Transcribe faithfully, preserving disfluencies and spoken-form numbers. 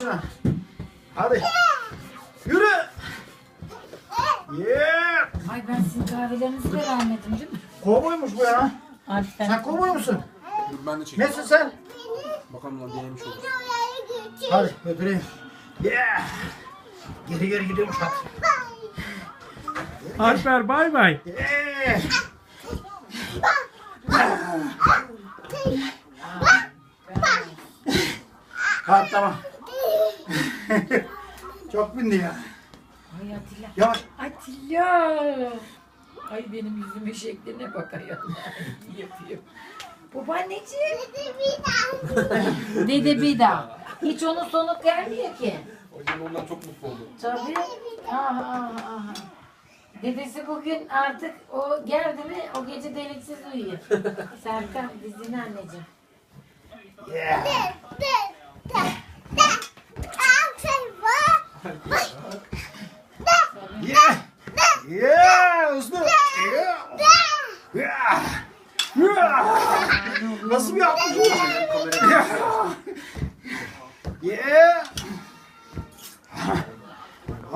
Hadi. Yürü. Yeah. Ay ben sizin kahvelerinizi de vermedim değil mi? Kovboymuş bu ya. Alper. Sen kovboy musun? Dur ben de çekeyim. Nesin sen? Bakalım lan denemiş olur. Hadi götüreyim. Yeah. Geri geri gidiyormuş hadi. Alper bay bay. Yeah. Hadi tamam. Çok bindi ya. Ay Atilla. Yavaş. Atilla. Ay benim yüzümün şekline bak ayol. Yapıyor. Babaanneciğim. Dede bir daha. Hiç onun sonu gelmiyor ki. Hocam ondan çok mutlu oldum. Tabii. Aha, aha, aha. Dedesi bugün artık o geldi mi o gece deliksiz uyuyor. Serkan dizini anneciğim. Yeah. Yeah. Yeah. Hızlı. Yeah. Yeah. Yeah. Nasıl bir yapmış bu? Yeah. Yeah.